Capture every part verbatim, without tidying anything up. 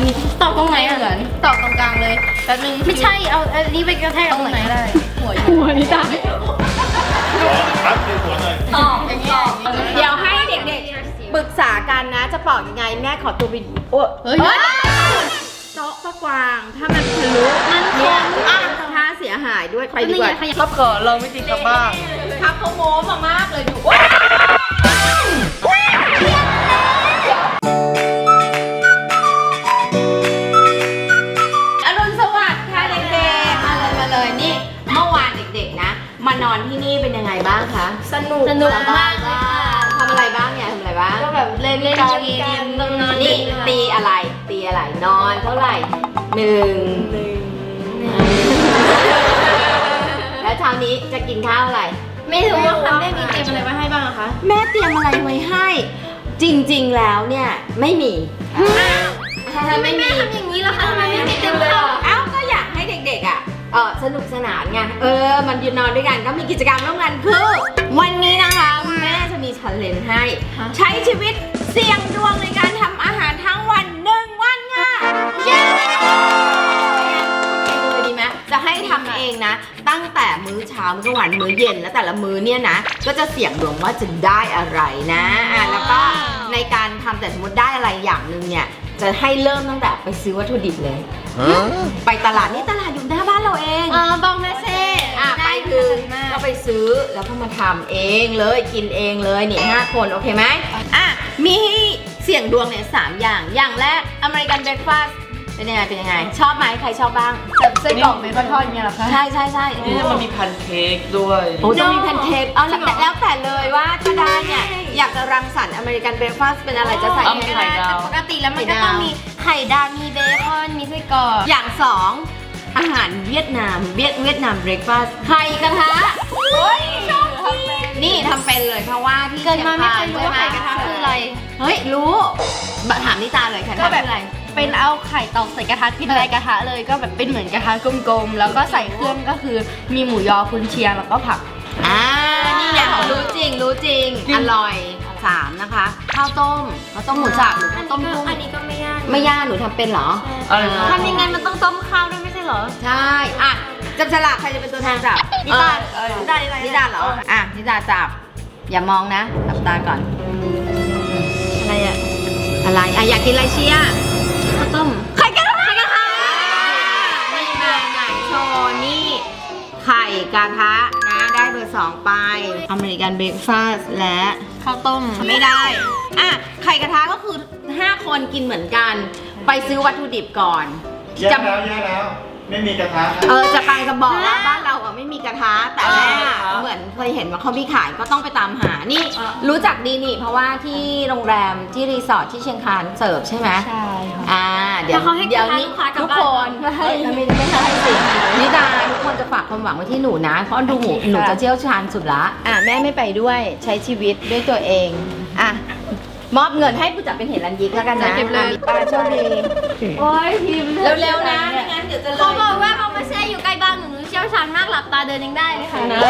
ตอกตรงไหนเหมือนตอกตรงกลางเลยแป๊บนึงไม่ใช่เอาอันนี้ไปกระแทกตรงไหนได้หัวหัวนี่ตายครับคือหัวหน่อยตอกอย่างเงี้ยเดี๋ยวให้เด็กๆปรึกษากันนะจะปอกยังไงแม่ขอตัวไปโอ้เฮ้ยโต๊ะก็กวางถ้ามันทะลุมันคเนี่ยงอ่ะถ้าเสียหายด้วยไปดีกว่าครับก่อนเราไม่จริงครับบ้างครับเขาโม้มามากเลยดูอรุณสวัสดิ์ค่ะเด็กๆมาเลยมาเลยนี่เมื่อวานเด็กๆนะมานอนที่นี่เป็นยังไงบ้างคะสนุกสนุกมากเลยค่ะทำอะไรบ้างเนี่ยทำอะไรบ้างก็แบบเล่นเล่นเกมตรงนั้นนี่ตีอะไรตีอะไรนอนเท่าไหร่หนึ่งแล้วเช้านี้จะกินข้าวอะไรไม่รู้ว่าค่ะแม่มีเกมอะไรมาให้บ้างอะคะแม่เตรียมอะไรไว้ให้ จริงๆแล้วเนี่ยไม่มีถ้าไม่มีทำอย่างนี้ล่ะคะทำไมไม่มีเกมเลยเอ้าก็อยากให้เด็กๆอ่ะเออสนุกสนานไงเออมันยืนนอนด้วยกันก็มีกิจกรรมร่วมกันคือวันนี้นะคะแม่จะมีชันเลนให้ ใช้ชีวิตเสี่ยงดวงในการทำอาหารทั้งวันหนึ่งวันค่ะเย้ทำเองเลยดีไหมจะให้ทำเองนะ ตั้งแต่มื้อเช้ามื้อกลางวันมื้อเย็นแล้วแต่ละมื้อเนี่ยนะก็จะเสี่ยงดวงว่าจะได้อะไรนะอ่ะแล้วก็ในการทำแต่สมมติได้อะไรอย่างหนึ่งเนี่ยจะให้เริ่มตั้งแต่ไปซื้อวัตถุดิบเลย ไปตลาดนี่ตลาดอยู่หน้าบ้านเราเองอ๋อบองแม่เซ่อ่ะไปถึงก็ไปซื้อแล้วก็มาทำเองเลยกินเองเลยนี่ห้าคนโอเคไหมอ่ะมีให้เสี่ยงดวงเนี่ยสามอย่างอย่างแรกอเมริกันเบรคฟาสต์เป็นยังไงเป็นยังไงชอบไหมใครชอบบ้างแบบไส้กรอกเม็ดปลาทอดอย่างเงี้ยเหรอคะใช่ใช่ใช่นี่มันมีแพนเค้กด้วยโอ้จะมีแพนเค้กเอาแล้วแต่แล้วแต่เลยว่าถ้าได้เนี่ยอยากจะรังสรรค์อเมริกันเบรคฟาสต์เป็นอะไรจะใส่เอาให้ไข่ได้ดาวปกติแล้วมันก็ต้องมีไข่ดาวมีเบคอนมีไส้กรอกอย่างสองอาหารเวียดนามเวียดเวียดนามเบรคฟาสต์ไข่กระทะเฮ้ยชอบนี่ทำเป็นเลยเพราะว่าที่เกิดมาไม่เคยรู้ใช่ว่าหไข่กระทะคืออะไรเฮ้ยรู้บะถามนิตาเลยค่ะก็แบบคืออะไรเป็นเอาไข่ตอกใส่กระทะกินอะไรกระทะเลยก็แบบเป็นเหมือนกระทะกลมๆแล้วก็ใส่เครื่องก็คือมีหมูยอกุนเชียงแล้วก็ผักอ่านี่ไงรู้จริงรู้จริงอร่อยสามนะคะข้าวต้มข้าวต้มหมูสับหรือข้าวต้มกุ้งอันนี้ก็ไม่ยากไม่ยากหนูทำเป็นเหรออะไรนะทำยังไงมันต้องต้มข้าวด้วยไม่ใช่เหรอใช่อ่ะจับฉลากใครจะเป็นตัวแทนจับนิตาเออนิตานิตานิตาเหรออ่ะนิตาจับอย่ามองนะจับตาก่อนอะไรอะอะไรอ่ะอยากกินอะไรเชียร์ข้าวต้มไข่กระทะไข่กระทะนี่มาไหนโชว์นี่ไข่กระทะนะได้เบอร์สองไปอเมริกันเบรคฟาสต์และข้าวต้มไม่ได้อ่ะไข่กระทะก็คือห้าคนกินเหมือนกัน ไปซื้อวัตถุดิบก่อนแย่แล้วแย่แล้ว ไม่มีกระทะเออจะกำลังจะบอกว่าบ้านเราอ่ะไม่มีกระทะแต่แม่เหมือนเคยเห็นว่าเขามีขายก็ต้องไปตามหานี่รู้จักดีนี่เพราะว่าที่โรงแรมที่รีสอร์ทที่เชียงคานเสิร์ฟใช่ไหมใช่ค่ะอ่าเดี๋ยวแต่เขาให้เดี๋ยวกระทะนี้ลูกค้ากลับทุกบ้านคนไม่ให้เอ้ยไม่ไม่ใช่สินิดาทุกคนจะฝากความหวังไว้ที่หนูนะเพราะดูหนูหนูจะเชี่ยวชาญสุดละอ่ะแม่ไม่ไปด้วยใช้ชีวิตด้วยตัวเองอ่ะมอบเงินให้ผู้จัดเป็นเหตุรันยิกแล้วกันนะเก็บเลยป้าโชคดีโอ้ยพิมพ์เร็วๆนะไม่งั้นเดี๋ยวจะเลเขายบอกว่าบองแม่เซ่อยู่ใกล้บ้านหนูหนูเชี่ยวชาญมากหลับตาเดินยังได้เลยค่ะนะ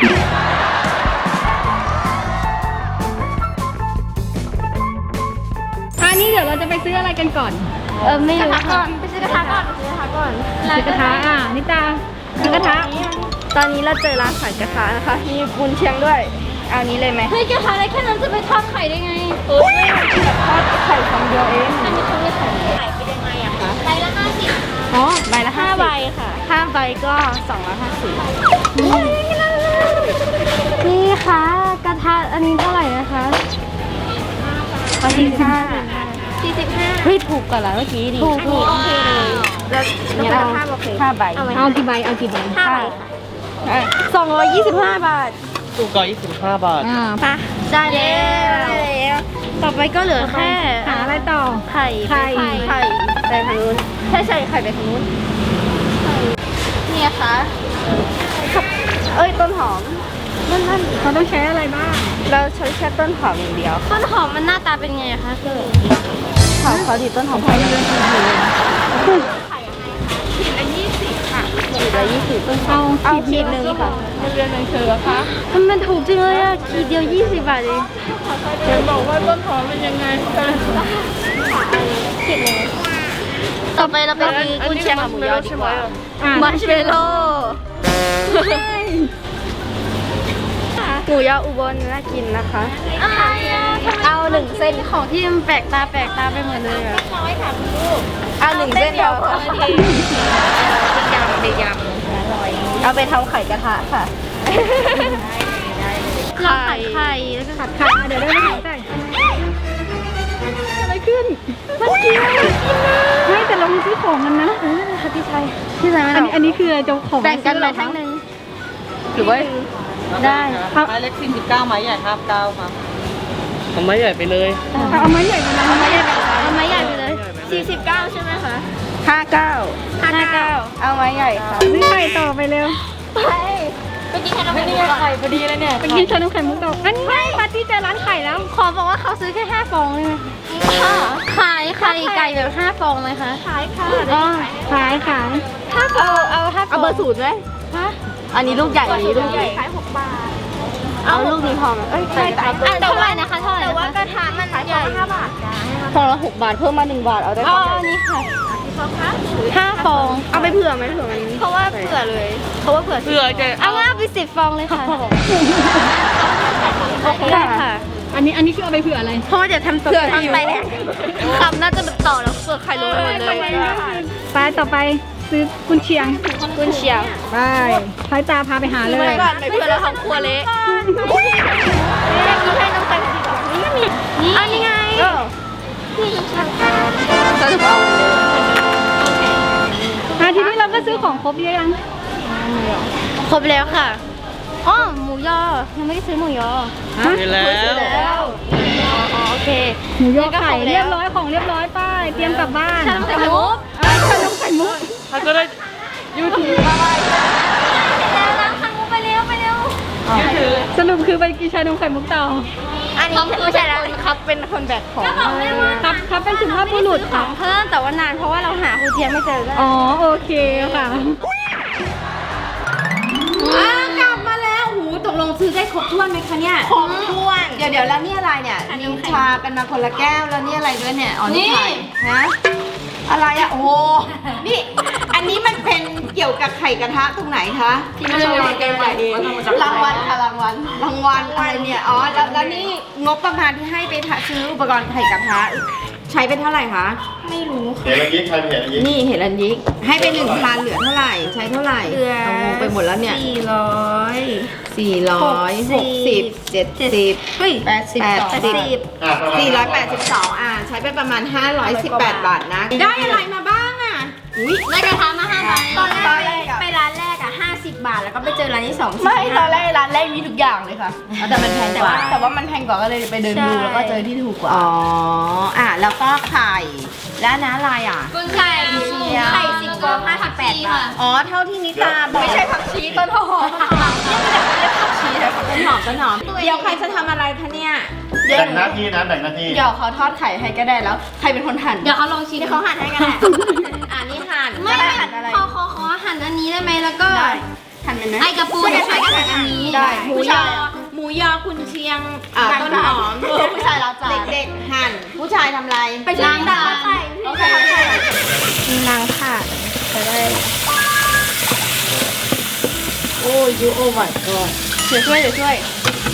อันนี้เดี๋ยวเราจะไปซื้ออะไรกันก่อนเออไม่รู้ก่อนไปซื้อกระทะก่อนไปซื้อกระทะก่อนซื้อกระทะอ่ะนิตาซื้อกระทะตอนนี้เราเจอร้านขายกระทะนะคะมีกุนเชียงด้วยเอานี้เลยไหมเฮ้ยกระทะอะไรแค่นั้นจะไปทอดไข่ได้ไงเออไม่แบบทอดไข่ฟองเดียวเองอันนี้เขาเรียกไข่ไข่เป็นยังไงอะคะไข่ละห้าสิบอ๋อใบละห้าใบค่ะห้าใบก็สองร้อยห้าสิบนี่ค่ะกระทะอันนี้เท่าไหร่นะคะสี่สิบห้าสี่สิบห้าเฮ้ยถูกกว่าแล้วเมื่อกี้ดิถูกถูกโอเคเลยแล้วแล้วก็ห้าโอเคห้าใบเอากี่ใบเอากี่ใบห้าใบสองร้อยยี่สิบห้าบาทถูกกว่ายี่สิบห้าบาทอ่าปะได้แล้วต่อไปก็เหลือแค่หาอะไรต่อไข่ไข่ไข่ไปทางนู้นใช่ใช่ไข่ไปทางนู้นเนี่ยค่ะเอ้ยต้นหอมนั่นนั่นเขาต้องใช้อะไรบ้างเราใช้แค่ต้นหอมอย่างเดียวต้นหอมมันหน้าตาเป็นไงอะคะเกิดขอเขาดีต้นหอมไข่เดือนสี่ขีดละยี่สิบค่ะขีดละยี่สิบต้นหอมเอาขีดหนึ่งค่ะเดือนหนึ่งคือคะมันมันถูกจริงเลยอะขีดเดียวยี่สิบบาทเองเดี๋ยวบอกว่าต้นหอมเป็นยังไงกันขีดหนึ่งต่อไปเราไปซื้อกุนเชียงกับหมูยอดีกว่าอ่ะมัชเมลโล่หมูยออุบลน่ากินนะคะ เอาหนึ่งเส้นของที่มันแปลกตาแปลกตาไปหมดเลยอะเอาหนึ่งเส้นเดียวค่ะยำในยำเอาไปทำไข่กระทะค่ะไข่ไข่แล้วก็ผัดไข่ค่ะเดี๋ยวได้ไหมคะแต่อะไรขึ้นมันกินไม่แต่เรามีซื้อของกันนะค่ะพี่ชัยพี่ชัยอันนี้อันนี้คือเจ้าของแบ่งกันซื้อเลหรยอทั้งคะหนึ่งหรือว่าได้ไม้เล็กสี่สิบเก้าไม้ใหญ่ห้าสิบเก้าครับเอาไม้ใหญ่ไปเลยเอาไม้ใหญ่มาแล้วเอาไม้ใหญ่ไปเอาไม้ใหญ่ไปเลยสี่สิบเก้าใช่ไหมคะห้าเก้าห้าเก้าเอาไม้ใหญ่ค่ะซื้อไข่ต่อไปเร็วไปกินขนมไข่ไข่พอดีเลยเนี่ยไปกินชานมไข่มุกต่ออันนี้ปาร์ตี้เจอร้านไข่แล้วขอบอกว่าเขาซื้อแค่ห้าฟองเลยค่ะขายไข่ไก่แบบห้าฟองไหมคะขายค่ะอ๋อขายขายห้าฟองเอาห้าฟองเอาเบอร์ศูนย์ไหมฮะอันนี้ลูกใหญ่อันนี้ลูกใหญ่เอาลูกนี้พอไหมเอ้ยใช่แต่เท่าไหร่นะคะเท่าไหร่แต่ว่ากระทะมันใหญ่ฟองละหกบาทเพิ่มมาหนึ่งบาทเอาได้อ๋ฟอองใหญ่นี่ค่ะห้าฟองเอาไปเผื่อไหมเผื่อมันเพราะว่าเผื่อเลย เพราะว่าเผื่อเพื่อจะเอาว่าเอาไปสิบฟองเลยค่ะโอเคค่ะอันนี้อันนี้คือเอาไปเผื่ออะไรเพราะว่าเดี๋ยวทำตกทำไปเนี่ยคำน่าจะแบบต่อแล้วเผื่อใครรู้ไปหมดเลยไปต่อไปซื้อกุนเชียงกุนเชียงไปพายตาพาไปหาเลยไปก่อนไปเผื่อเราทำครัวเละให้น้องไปดีกว่านี่อันนี้ไงอาทีนี้เราก็ซื้อของครบเยอะยังครบแล้วค่ะอ๋อหมูยอยังไม่ได้ซื้อหมูยอมีแล้วแล้วอ๋อโอเคหมูยอไข่นี่ก็ครบแล้วเรียบร้อยของเรียบร้อยป้ายเตรียมกลับบ้านชานมไข่มุกอ่ะชานมไข่มุกถ้าก็ได้ยูทูบแล้วล้างไข่มุกไปเร็วไปเร็วยูทูบสรุปคือไปกินชานมไข่มุกต่ออันนี้ไม่ใช่แล้วครับเป็นคนแบกของครับครับเป็นสุภาพบุรุษขค่ะองเพิ่มแต่ว่านานเพราะว่าเราหาครูเทียมไม่เจอก็อ๋อโอเคค่ะอ้าวกลับมาแล้วหูตกลงซื้อได้ครบถ้วนไหมคะเนี่ยครบถ้วนเดี๋ยวเดี๋ยวแล้วนี่อะไรเนี่ยนิวชากันมาคนละแก้วแล้วนี่อะไรด้วยเนี่ยอ๋อนี่ไข่ฮะอะไรอะโอ้โหนี่อันนี้มันเป็นเกี่ยวกับไข่กระทะตรงไหนคะที่มันโชว์เกมใหญ่เองรางวัลค่ะรางวัลรางวัลอะไรเนี่ยอ๋อแล้วแล้วนี่งบประมาณที่ให้ไปซื้ออุปกรณ์ไข่กระทะใช้เป็นเท่าไหร่คะไม่รู้เห็นเมื่อกี้ใครเห็นเมื่อกี้นี่เห็นอันยิกให้เป็นหนึ่งพันเหลือเท่าไหร่ใช้เท่าไหร่เหลือเอางงไปหมดแล้วเนี่ยสี่ร้อยสี่ร้อยหกสิบเจ็ดสิบเฮ้ยแปดสิบแปดสิบอ่ะประมาณสี่ร้อยแปดสิบสองอ่ะใช้ไปประมาณห้าร้อยสิบแปดบาทนะ ได้อะไรมาบ้างอ่ะอุ้ยได้กระทะมาห้าใบตอนแรกตอนแรกอะไปร้านแรกอ่ะห้าสิบบาทแล้วก็ไปเจอร้านที่สองไม่ตอนแรกร้านแรกมีทุกอย่างเลยค่ะแต่มันแพงกว่าแต่ว่ามันแพงกว่าก็เลยไปเดินดูแล้วก็เจอที่ถูกกว่าอ๋ออ่ะแล้วก็ไข่แล้วนะอะไรอ่ะกุนไข่ไข่สิบฟองห้าสิบแปดบาทอ๋อเท่าที่นิตาบอกไม่ใช่ผักชีต้นหอมต้นหอมต้นหอมเดี๋ยวใครจะทำอะไรคะเนี่ยแบ่งหน้าที่นะแบ่งหน้าที่เดี๋ยวเขาทอดไข่ให้ก็ได้แล้วใครเป็นคนหั่นเดี๋ยวเขาลองชิมที่เขาหั่นให้กันแหละอ่านี่หั่นไม่ได้หั่นอะไรขอขอขอหั่นอันนี้ได้ไหมแล้วก็ได้หั่นเป็นไหมไอกระปูเดี๋ยวช่วยกันหั่นอันนี้ได้หมูยอหมูยอคุณเชียงอ่าต้นหอมเออผู้ชายรับจานเด็กๆหั่นผู้ชายทำอะไรไปช่วยกันตัดไข่โอเคโอเคนางค่ะจะได้โอ้ยยูโอ้ my god เดี๋ยวช่วยเดี๋ยวช่วย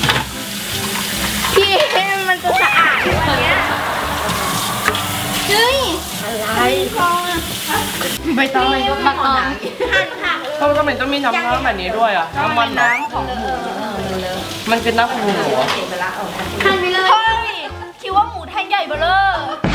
พี่มันจะสะอาดวันเนี้ยเฮ้ยอะไรใบตองบักออนหั่นค่ะทำไมต้องมีน้ำน้ำแบบนี้ด้วยอ่ะน้ำมันเหรอน้ำของหมูมันเป็นน้ำของหมูเหรอหั่นไปเลยเฮ้ยคิดว่าหมูแท่งใหญ่เบ้อเร่อ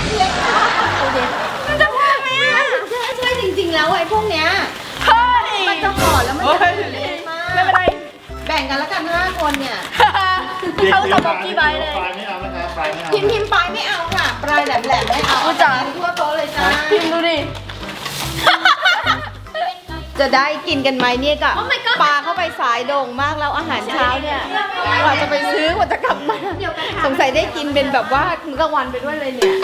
มันจะว่าไหมอ่ะช่วยจริงๆแล้วไอ้พวกเนี้ยเฮ้ยมันจะห่อแล้วมันเฮ้จะยเละมากไม่เป็นไรแบ่งกันแล้วกันห้าคนเนี่ยเขาสมองกี่ใบเลยปลายไม่เอานะคะปลายไม่เอาพิมพ์พิมพ์ปลายไม่เอาค่ะ ปลายแหลมๆไม่เอาอุ๊ยจ๋าทั่วโต๊ะเลยจ้าพิมพ์ดูดิจะได้กินกันไหมเนี่ยกะปลาเข้าไปสายโด่งมากแล้วอาหารเช้าเนี่ยกว่าจะไปซื้อกว่าจะกลับมาสงสัยได้กินเป็นแบบว่ามื้อกลางวันไปด้วยเลยเนี่ย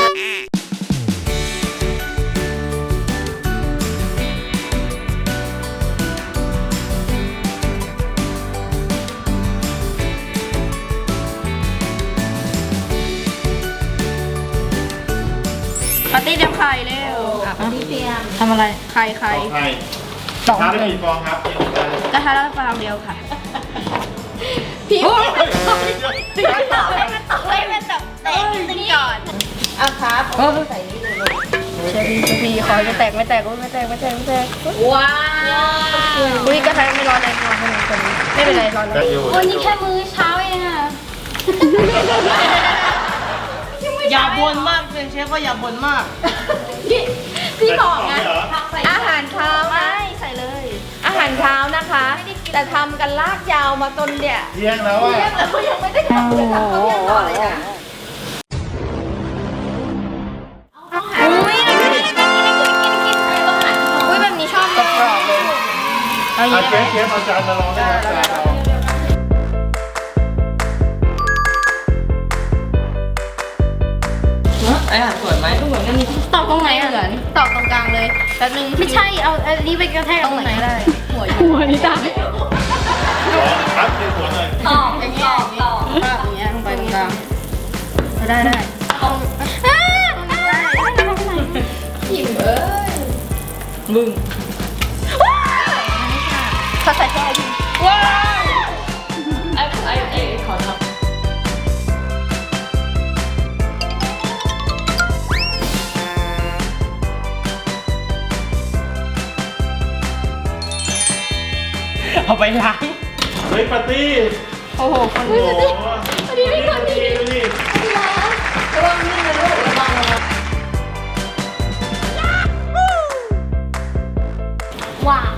ปาร์ตี้เดียวไข่เร็วอ่ะพี่เตรียมทำอะไรใครใครใครสองทานได้กี่ฟองครับที่ผมได้กระทะละฟางเดียวค่ะพี่ไม่มันตกไม่มันตกเตะนิดนึงก่อนอ่ะครับเอาใส่นี่เลยลูกเชฟพี่พี่คอยไม่แตกไม่แตกไม่แตกไม่แตกไม่แตกว้าวอุ้ยกระทะไม่ร้อนแรงร้อนขนาดนี้ไม่เป็นไรร้อนได้แล้วอยู่วันนี้แค่มื้อเช้าเองอะอย่าบ่นมากเป็นเชฟก็อย่าบ่นมากพี่บอกไงอาหารเช้านะไม่ใส่เลยอาหารเช้านะคะ แต่ทำกันลากยาวมาจนเนี่ยเที่ยงแล้วอ่ะแล้วก็ยังไม่ได้ทำเลยค่ะเขายังต่อเลยนะอุ้ยกินกินกินกินกินใส่ต้องหันอุ้ยแบบนี้ชอบเลยเอาเยอาอะเชฟเชฟเอาจานมาลองได้ไหมจานเราไออาหารสวยไหมตอกตรงไหนเหมือนตอกตรงกลางเลยแป๊บนึงไม่ใช่เอาอันนี้ไปกระแทกตรงไหนก็ได้ หัวอยู่หัวนี่ตายครับเชฟสวนเลยตอกอย่างเงี้ยตอกอย่างเงี้ยลงไปตรงกลางได้ได้มึงเขาใส่แค่ดิไอไอไอขอทำ เอาไปล้างเฮ้ยปาร์ตี้โอ้โหคนโอ้โหปาร์ตี้ปาร์ตี้ดูดิว้า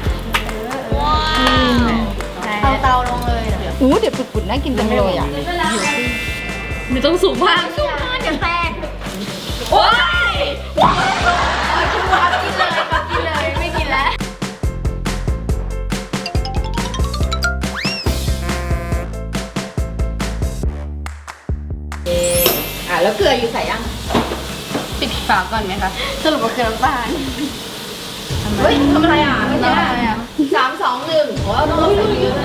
เอาเตาลงเลยเดี๋ยวอู้เดี๋ยวปุดๆน่ากินจังเลยอ่ะไม่ต้องสูงมากสู้มากเดี๋ยวแตกโอ๊ยกินเลยกินเลยไม่กินแล้วอ่ะแล้วเกลืออยู่ใส่ยังปิดฝาก่อนไหมคะสรุปว่าคือน้ำตาลเฮ้ยทำอะไรอ่ะไม่น้ำใช่ตาลอ่ะสามสองหนึ่งโอ้ต้องลงเยอะ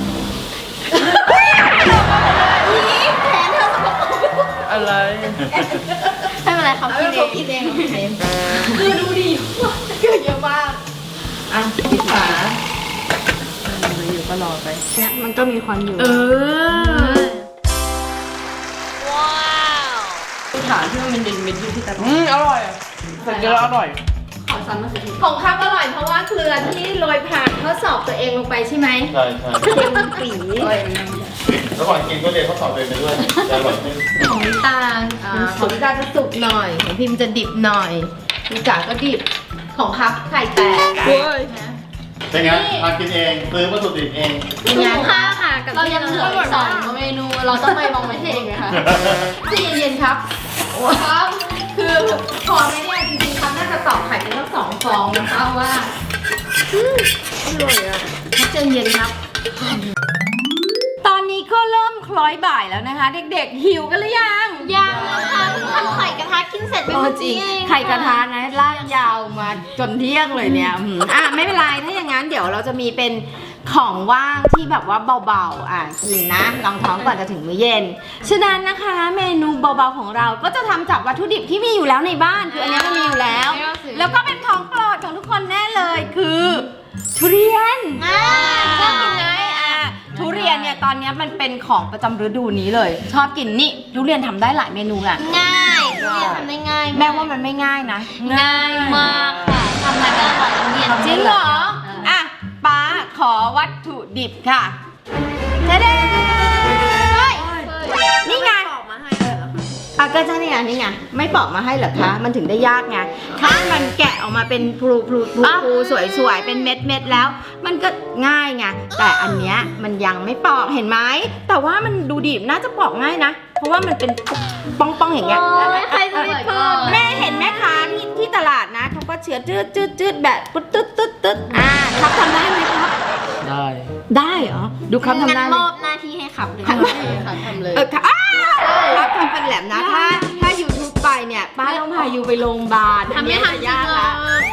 อะไรไม่เป็นไรเขาเอากินไปเองกินเองเกลือดูดีเกลือเยอะมากอ่ะปิดฝาอยู่ก็รอไปเนี่ยมันก็มีควันอยู่เออถามที่มันเป็นเม็ดๆอยู่ที่ตะอืมอร่อยแต่กินแล้วอร่อยขอซ้ำมาสิของข้าวอร่อยเพราะว่าเกลือที่โรยผ่านทดสอบตัวเองลงไปใช่ไหมใช่ใช่เค็มปีระหว่างกินก็เรียนข้อสอบตัวเองไปด้วยจะอร่อยขึ้นของน้ำตาลอ่าของพี่กาจะสุกหน่อยของพิมจะดิบหน่อยพี่กาก็ดิบของครับไข่แตกเป็นไงทานกินเองซื้อวัตถุดิบเองงานข้าวค่ะกับเรายังเหลืออีกสองเมนู เราต้องไปมองไม่เองไหมคะใจเย็นๆครับครับ คือพอไหมเนี่ยจริงๆครับน่าจะตอกไข่เป็นทั้งสองฟองนะคะว่าอร่อยอ่ะใจเย็นครับ ตอนนี้ก็เริ่มคล้อยบ่ายแล้วนะคะ เด็กๆหิวกันหรือยังยังนะคะทำไข่กระทะกินเสร็จไปโอ้เมื่อจริกี้งเองไข่กระทะนะลากยาวมาจนเที่ยงเลยเนี่ยอืมอ่ะไม่เป็นไรถ้าอย่างนั้นเดี๋ยวเราจะมีเป็นของว่างที่แบบว่าเบาๆอ่ะกินนะรองท้องก่อนจะถึงมื้อเย็นฉะนั้นนะคะ เมนูเบาๆของเราก็จะทำจากวัตถุดิบที่มีอยู่แล้วในบ้านคืออันนี้มันมีอยู่แล้ว แล้วก็เป็นของโปรดของทุกคนแน่เลยคือทุเรียนอ่าชอบกินไหมอ่ะทุเรียนเนี่ยตอนนี้มันเป็นของประจำฤดูนี้เลย ชอบกินนี่ทุเรียนทำได้หลายเมนูอ่ะง่ายทุเรียนทำได้ง่ายแม่ว่ามันไม่ง่ายนะง่ายมากค่ะทำอะไรก็อร่อยทุเรียนจริงเหรออ่ะป้าขอวัตถุดิบค่ะเด้เฮ้ยนี่ไงอ่ะก็ใช่นี่ไงนี่ไงไม่ปอกมาให้เหรอคะมันถึงได้ยากไงถ้ามันแกะออกมาเป็นพลูพลูพลูพลูสวยๆเป็นเม็ดเม็ดๆแล้ว มันก็ง่ายไงแต่อันเนี้ยมันยังไม่ปอกเห็นไหมแต่ว่ามันดูดิน่าจะปอกง่ายนะ เพราะว่ามันเป็นป้องๆอย่างเงี้ยใครจะไปเปิดแม่เห็นแม่ค้าที่ที่ตลาดนะเขาก็เชื้อจืดจืดจืดแบบปุ๊ดตึ๊ดตึ๊ดตึ๊ดอ่าครับทำได้ไหมครับได้ได้เหรอดูครับทำได้งั้นไหมมอบหน้าที่ให้ขับเลยค่ะทำเลยเออค่ะอ้าวครับทำเป็นแหลมนะถ้าถ้า YouTube ไปเนี่ยป้าต้องพายูไปโรงพยาบาลทำไม่ทันยากละ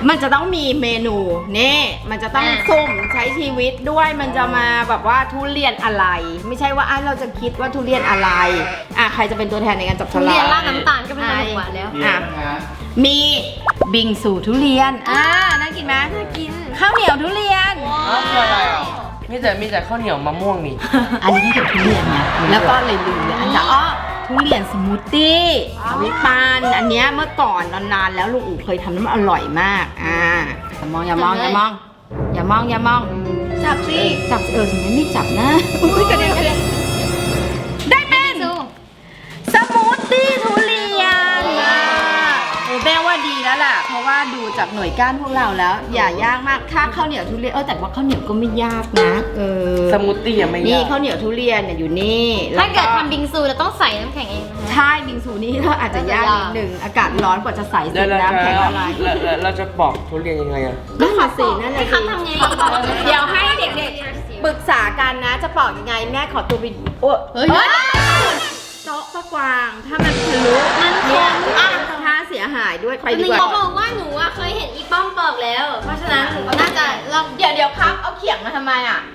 มันจะต้องมีเมนูนี่มันจะต้องสุ่มใช้ชีวิตด้วยมันจะมาแบบว่าทุเรียนอะไร ไม่ใช่ว่าอ่ะเราจะคิดว่าทุเรียนอะไรอ่ะใครจะเป็นตัวแทนในการจับฉลากเรียนราดน้ำตาลก็เป็นขนมหวานแล้วเรียนนะฮะมีบิงซูทุเรียนอ่าน่ากินไหมน่ากินข้าวเหนียวทุเรียนอ้าวคืออะไรอ่ะมีแต่มีแต่ข้าวเหนียวมะม่วงนี่อันนี้ที่เกี่ยวกับทุเรียนไงแล้วก็เลยลืมเลยอันจะอ๋อทุเรียนสมูทตี้วิปานอันเนี้ยเมื่อก่อนนานๆแล้วลุงอู๋เคยทำน้ำมันอร่อยมากอ่าอย่ามองอย่ามองอย่ามองอย่ามองอย่ามองจับสิจับสิเออถึงไม่จับนะอุ้ยกระเด็นกระเด็นได้เป็นสมูทตี้ทุเรียนอ่ะโอ้แม่ว่าดีแล้วล่ะเพราะว่าดูจากหน่วยก้านพวกเราแล้ว อย่ายากมากค่าข้าวเหนียวทุเรียนเออแต่ว่าข้าวเหนียวก็ไม่ยากนะเออสมูทตี้ยังไม่นี่ยากข้าวเหนียวทุเรียนเนี่ยอยู่นี่ถ้าเกิดแล้วทำบิงซูเราต้องใส่น้ำแข็งเองนะคะใช่บิงซูนี่ก็อาจจะยากนิดหนึ่งอากาศร้อนกว่าจะใส่แล้สีวเราน้ำจะแข็งละลายแล้วแล้วเราจะปอกทุเรียนยังไงอ่ะนั่นน่ะสินั่นน่ะครัสิบทำไงเดี๋ยวให้เด็กๆปรึกษากันนะจะปอกยังไงแม่ขอตัวไปโอ้เฮ้ยโต๊ะปะกวางถ้ามันทะลุมันคเนี่ยงอ่ะถ้าเสียหายด้วยไปหดีนึ่งกว่าเขาบอกว่าหนูอะเคยเห็นอีป้อมปอกแล้ว เพราะฉะนั้นหนูก็น่าจะลองเดี๋ยวเดี๋ยวครับเอาเขียงมาทำไมอ่ะ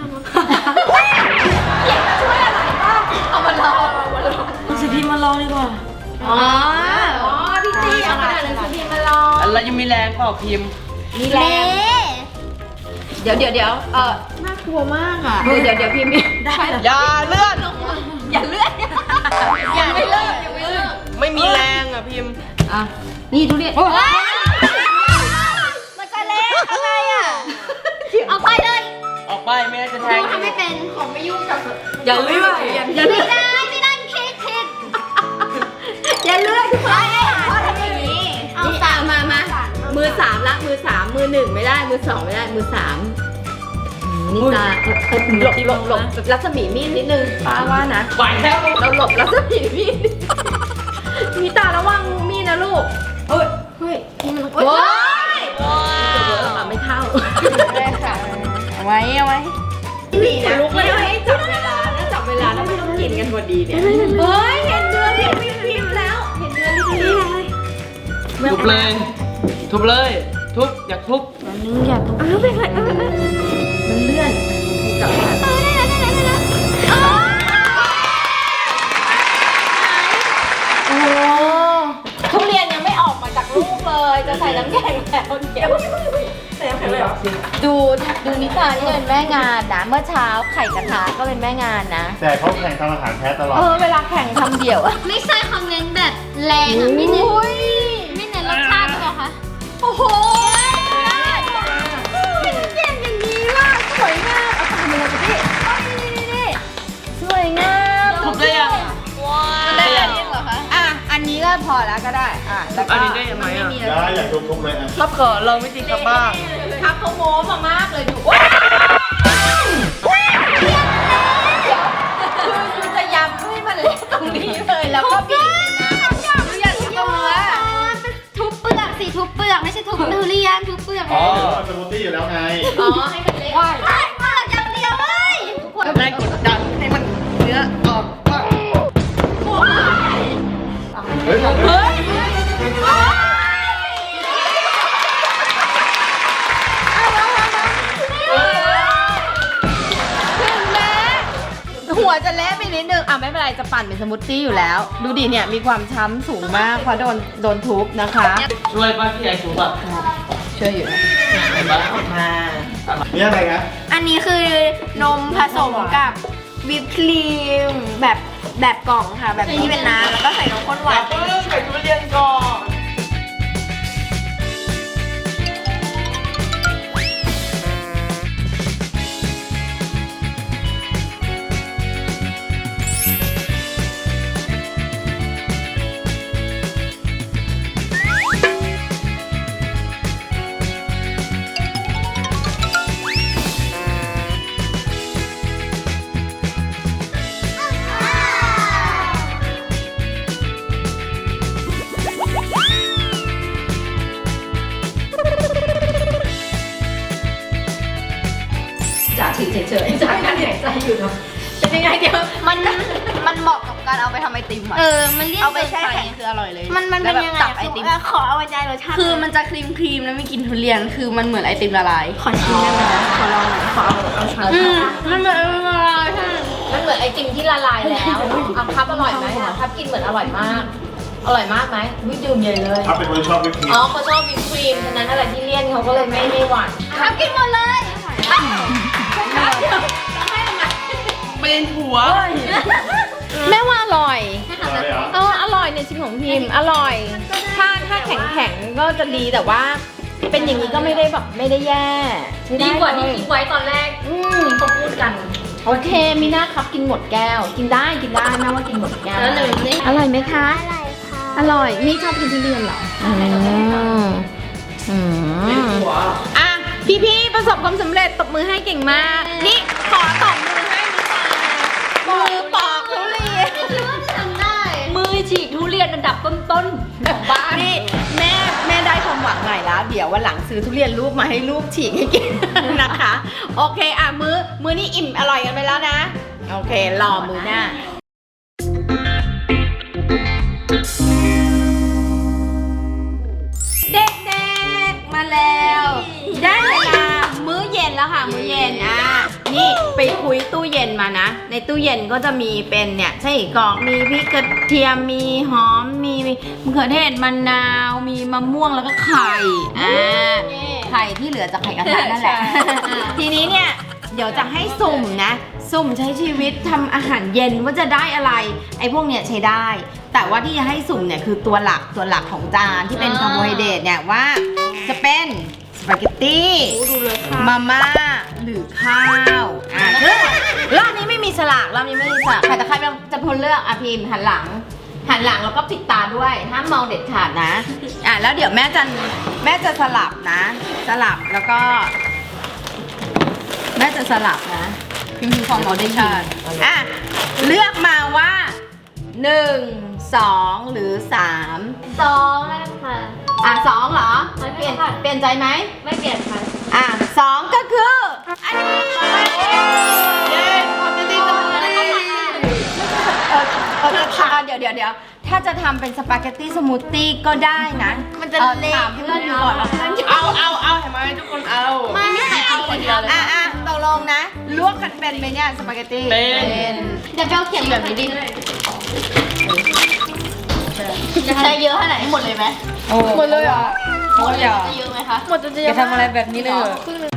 เขียงจะช่วยอะไรบ้างเอามาลองเอามาลองสิพี่มาลองดีกว่าอ๋ออ๋อพี่ตีเอากระดาษหนังสือพิมพ์มาลองแล้วยังมีแรงเปล่าพิมพ์มีแรง เดี๋ยวเดี๋ยวเดี๋ยวเออน่ากลัวมากอ่ะ เดี๋ยวเดี๋ยวเดี๋ยวพิมพ์ได้อย่าเลื่อนอย่าเลื่อนยังไม่เลิกยังไม่เลิกไม่มีแรงอ่ะพิมพ์อ่ะ นี่ทุเรียนมันจะเละอะไรอ่ะ เอาไปเลยออกไปไม่ได้จะแทหนูงทำไม่เป็นของไม่ยุ่งกับอย่าเลื่อนอย่าไม่เลื่อนได้ไม่ได้คิดผิดอย่าเลื่อนพ่อพ่อทำอย่างนี้เอานี่อ่ะมามามือสามละมือสามมือหนึ่งไม่ได้มือสองไม่ได้มือสามอืมนี่ตาเออเออหลบหลบหลบรัศมีมีดนิดนึงป้าว่านะไหวแล้วเราหลบรัศมีมีดมีตาระวังมีดนะลูกเอ้ยเฮ้ยนี่มันโอ้ยจะเวิร์กอะไม่เข้าได้ค่ะเอาไว้เอาไว้นี่นะลุกเลยให้จับเวลาถ้าจับเวลาแล้วไม่ต้องกินกันพอดีเนี่ยเฮ้ยเห็นเนื้อพิมพ์พิมพ์แล้วเห็นเนื้อพิมพ์พิมพ์ทุบเลย ทุบเลย ทุบอยากทุบมันนึงอย่าทุบอ้าวเป็นไรมันเลื่อนจับมาโอ้ทุเรียนยังไม่ออกมาจากลูกเลยจะใส่น้ำแข็งแล้วเดี๋ยวใส่น้ำแข็งเลยเหรอดูดูนิตานี่เป็นแม่งานนะเมื่อเช้าไข่กระทะก็เป็นแม่งานนะแต่เขาแข่งทำอาหารแพ้ตลอดเออเวลาแข่งทำเดี่ยวอะไม่ใช่คอมเมนต์แบบแรงอะไม่เน้นไม่เน้นรสชาติหรอคะโอ้โหเก่งอย่างนี้ว่ะสวยงามเอาทำอะไรกันพี่นี่สวยงามทุบได้ยังได้ยังเหรอคะอ่ะอันนี้ก็พอแล้วก็ได้อ่ะแล้วก็อันนี้ได้ยังไงอ่ะได้อยากทุบๆเลยอ่ะครับขอลองวิธีครับบ้างครับเขาโม้มามากเลยดูว้าวคือคือจะยำให้มันเละตรงนี้เลยแล้วก็บีบนะดูอย่างนี้ตัวทุบเปลือกสิทุบเปลือกไม่ใช่ทุบทุเรียนทุบเปลือกอ๋อเดี๋ยวเราสมูทตี้อยู่แล้วไงอ๋อให้มันเละใช่เปลือกอย่างเดียวเลยทุกคนแรงกดดันให้มันเนื้อออกก่อนเฮ้ยเฮ้ยหัวจะเละไปนิดนึงอ่ะไม่เป็นไรจะปั่นเป็นสมูทตี้อยู่แล้ว ดูดิเนี่ยมีความช้ำสูงมากเพราะโดนโดนทุบนะคะช่วยป้าที่ไอทุบอ่ะช่วยอยู่นะเห็นปะมานี่อะไรนะอันนี้คือนมผสมกับวิปครีมแบบแบบกล่องค่ะ แบบที่เป็นน้ำแล้วก็ใส่นมข้นหวานเออใส่ทุเรียนก่อนจ่าถือเฉยๆจ่าการหายใจอยู่เนาะเป็นยังไงเดี๋ยวมันมันเหมาะกับการเอาไปทำไอติมอ่ะเออ มันเลี่ยนเอาไปเกินแช่ไปแข็งคืออร่อยเลยมันมันเป็นแล้วยังแบบไงตักไอติมขอเอาใจรสชาติคือมันจะครีมครีมแล้วไม่กินทุเรียน คือมันเหมือนไอติมละลายขอชิมได้ไหมขอลองหน่อยขอเอาเอาช้อนอืมมันเหมือนไอติมละลายใช่มันเหมือนไอติมที่ละลายแล้วเอาครับอร่อยไหมครับกินเหมือนอร่อยมาก อร่อยมากไหมวิดื่มใหญ่เลยถ้าเป็นคนชอบวิปครีมอ๋อเขาชอบวิปครีมฉะนั้นอะไรที่เลี่ยนเขาก็เลยไม่ไม่หวานครับกินหมดเลยเป็นหัวแม่ว่าอร่อยอะไรเหรอเอออร่อยในชิมของพิมพ์อร่อย ถ้าถ้าแข็งแข็งๆก็จะดีแต่ว่า เป็นอย่างนี้ก็ไม่ได้แบบไม่ได้แย่ใช้ไดีกว่าที่คิดไว้ตอนแรกอืมเขาพูดกันโอเคมีหน้าครับกินหมดแก้ว กินได้กินได้แม่ว่ากินหมดแก้วแล้วหนึ่งนี่อร่อยไหมคะอะไรคะอร่อยนี่ชอบกินทุเรียนเหรออืมอืมอ่ะพี่พี่ๆประสบความสำเร็จตบมือให้เก่งมาก นี่ขอตบมือให้มือปอกทุเรียนมือฉีกทุเรียนอันดับต้นๆของบ้านนี่แม่แม่ได้ความหวังใหม่แล้ว เดี๋ยววันหลังซื้อทุเรียนลูกมาให้ลูกฉีกให้กิน นะคะ โอเคอ่ะมือมือนี่อิ่มอร่อยกันไปแล้วนะ โอเครอมือหน้า เด็กๆ มาแล้ว ได้เวลามื้อเย็นแล้วค่ะ มื้อเย็นอ่ะนี่ไปคุยตู้เย็นมานะ ในตู้เย็นก็จะมีเป็นเนี่ยไส้กรอกมีพริกกระเทียมมีหอมมีมะเขือเทศมะนาวมีมะม่วงแล้วก็ไข่อ่าไข่ที่เหลือจากไข่กระทะนั่นแหละ ทีนี้เนี่ยเดี๋ยวจะให้สุ่มนะ สุ่มใช้ชีวิตทำอาหารเย็นว่าจะได้อะไร ไอ้พวกเนี้ยใช้ได้ แต่ว่าที่จะให้สุ่มเนี่ยคือตัวหลักตัวหลักของจานที่เป็นคาร์โบไฮเดรตเนี่ยว่าจะเป็นสปาเกตตี้มาม่าหรือข้าวอ่าซึ่งรอบนี้ไม่มีสลากรอบนี้ไม่มีสลากใครแต่ใครจะพลเลือกอ่ะพิมพ์หันหลัง หันหลังแล้วก็ปิดตาด้วยห้ามมองเด็ดขาดนะอ่ะแล้วเดี๋ยวแม่จะแม่จะสลับนะ สลับแล้วก็ แม่จะสลับนะพิมพ์ของเราได้ชาติอ่ะเลือกมาว่าหนึ่งสองหรือสามสองแล้วค่ะอ่ะสองเหรอไม่เปเปลี่ลี่ยยนนเปลี่ยนใจไหมไม่เปลี่ยนค่ะอ่ะสองก็คืออันนี้เย้ขอบคุณที่ตบมือให้เออเออเออเดี๋ยวเดี๋ยวเดี๋ยวถ้าจะทำเป็นสปาเกตตี้สมูทตี้ก็ได้นะมันจะออเละถามเพื่อนอยู่ก่อนว่าเพื่อนจะเอาเอาเอาเห็นไหมทุกคนเอาไม่ไม่เอาคนเดียวเลยอ่ะอ่ะตกลงนะ ลวกกันเป็นไหมเนี่ยสปาเกตตี้เป็นเดี๋ยวเจ้าเขียนแบบนี้ดิจะใช้เยอะขนาดนี้หมดเลยไหมหมดเลยเหรอหมดเลยจะเยอะไหมคะหมดจนจะเยจะอะทำอะไรแบบนี้เลยเหรอ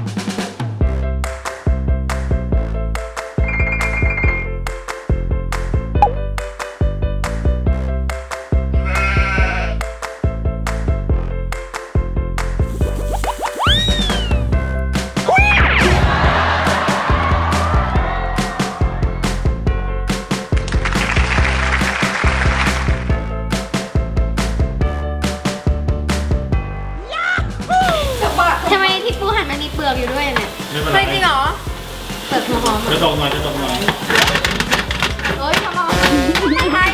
ทำไมที่ปูหั่นมันมีเปลือกอยู่ด้วยเนี่ยไม่เป็นไรเฮ้ยจริงเหรอเปลือกหัวหอมจะตกหน่อยจะตกหน่อยเฮ้ยทำไมใคร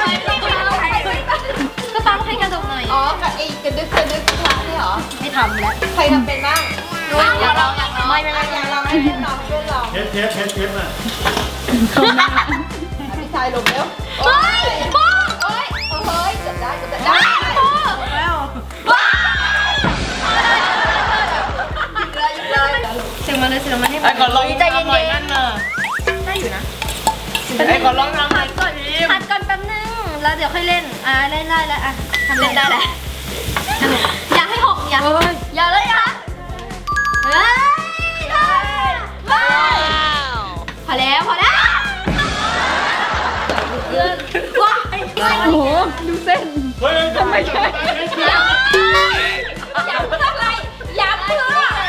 ก็ตามให้กระดกหน่อยอ๋อกับไอ้กระดึกกระดึกคลาใช่เหรอไม่ทำแล้วใครทำเป็นบ้างอยากลองอยากลองไม่ไม่ไม่อยากลองให้เพื่อนลองให้เพื่อนลองเทสเทสเทสเทสน่ะพี่ชายลงเร็วเฮ้ยปูเอ้ยเฮ้ยเกือบได้เกือบได้ได้ปูแล้วว้าวเลยเลยเสียงมาเลยเสียงมาให้ไอ้ก่อนลองใจเย็ทำหน่อยนนั่นน่ะๆได้อยู่นะไอ้ก่อนลองทำหน่อยก่อนผัดก่อนแป๊บนึง แล้วเดี๋ยวค่อยเล่น อ่าเล่นได้แล้วอ่ะทำเล่นได้แล้วอย่าให้หกอย่าอย่าเลยอ่ะเฮ้ยได้ว้าวพอแล้วพอแล้วว้ายโอ้โหดูเส้นเฮ้ยทำไมใช่อย่าอย่าเพื่ออะไรอย่าเพื่อ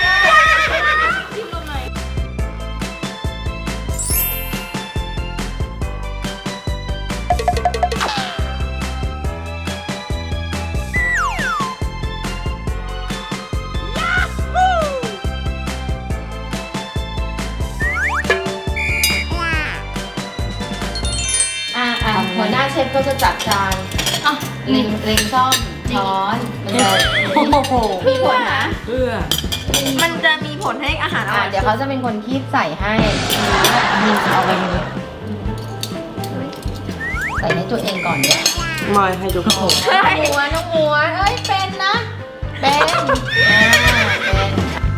อ่ะอ่ะหัวหน้าเชฟก็จะจัดจานอ่ะเล็งเล็งซ่อมช้อนมันจะโอ้โหมีผลนะเพื่อมันจะมีผลให้อาหารออ่ะร่อยเดี๋ยวเขาจะเป็นคนคีบใส่ให้นี่เอาไปเลยใส่ให้ตัวเองก่อนเนี่ยไม่ให้ทุกคนน้องหมวยน้องหมวยเอ้ยเป็นนะเป็นอ่าเป็น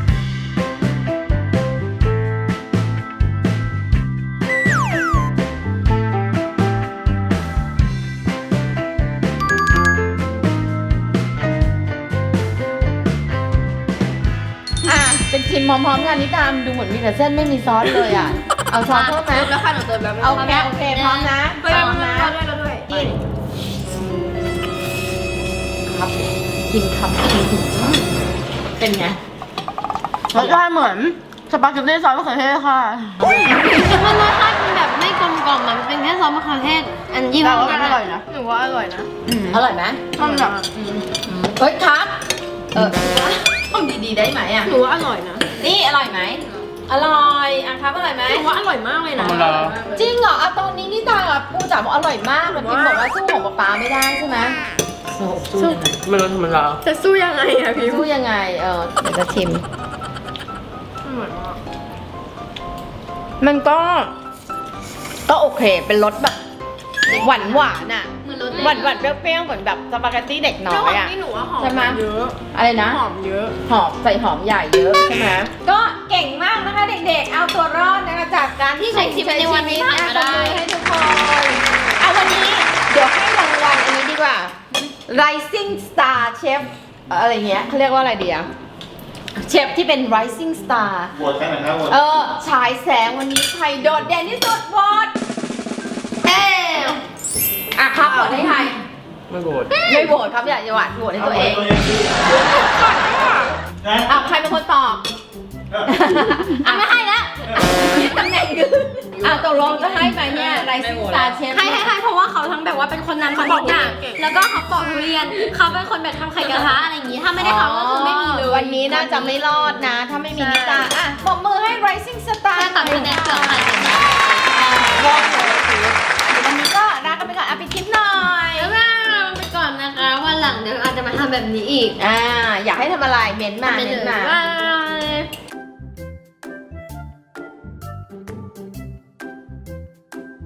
อ่ะเป็นชิมพร้อมๆกันนี่ตามดูเหมือนมีแต่เส้นไม่มีซอสเลยอ่ะเอาซอสเพิ่มไหมแล้วค่ะหนูเติมแล้วโอเคโอเคพร้อมนะพร้อมนะด้วยแล้วด้วยกินครับกินครับเป็นไงรสชาติเหมือนสปาเกตตี้ซอสมะเขือเทศค่ะมันรสชาติเป็นแบบไม่กลมกล่อมมันเป็นแค่ซอสมะเขือเทศอันยี่ห้แต่อว่านั้มันนอร่อยอะนะหนูว่าอร่อยนะอร่อยไหมมันแบบเฮ้ยครับเออต้องดีๆได้ไหมอ่ะหนูว่าอร่อยนะนี่อร่อยไหมอร่อยอ่ะครับอร่อยไหมหนูว่าอร่อยมากเลยธรนะรมดาจริงเหรอเอาตอนนี้นี่ตากับปูจ๋าบอกอร่อยมากแบบพิมบอกว่าสู้ของป๊าป๊าไม่ได้ใช่ไหมสู้ยังไงไม่รู้ธรรมดาจะสู้ยังไงอะพี่สู้ยังไงเออเดี๋ยวจะชิม มันก็ ก็โอเคเป็นรสแบบหวานหวานๆอ่ะเหมือนรสหวานหวานๆเปรี้ยวๆเหมือนแบบสปาเกตตี้เด็กน้อยอ่ะนี่หนูว่าหอมใช่ไหมเยอะอะไรนะหอมเยอะหอมใส่หอมใหญ่เยอะใช่ไหมก็เก่งมากนะคะเด็กๆ เอาตัวรอดนะคะจากการที่ใช้ชีวิตในวันนี้ผ่านมาได้ให้ทุกคนเอาวันนี้เดี๋ยวให้รางวัลอันนี้ดีกว่า Rising Star Chef อะไรเงี้ยเขาเรียกว่าอะไรดีอะเชฟที่เป็น Rising Star โหวตกันหน่อยครับโหวตเออฉายแสงวันนี้ใครโดดเด่นที่สุดโหวตเอ๊ะอ่ะครับโหวตให้ใครไม่โกรธไม่โหวตครับอย่าอย่าหวาดโหวตให้ตัวเองนะอ่ะใครเป็นคนตอบอ่ะไม่ให้แล้วยึดตำแหน่งดื้ออ่ะตกลงจะให้ไหมเนี่ย Rising Star Chef ให้ให้ให้เพราะว่าเขาทั้งแบบว่าเป็นคนนำเขาบอกอย่างแล้วก็เขาปอกทุเรียนเขาเป็นคนแบบทำไข่กระทะอะไรอย่างงี้ถ้าไม่ได้เขาก็คือไม่มีเลยวันนี้น่าจะไม่รอดนะ ถ้าไม่มีนิตาอ่ะปรบมือให้ Rising Star ถ้าตัดคะแนนเกือบขาดเลยนะรอดเลยวันนี้ก็ลากันไปก่อนอ่ะไปคลิปหน่อยแล้วก็ไปก่อนนะคะวันหลังเดี๋ยวอาจจะมาทำแบบนี้อีกอ่าอยากให้ทำอะไรเม้นต์มาไปเม้เลนยต์มาว่า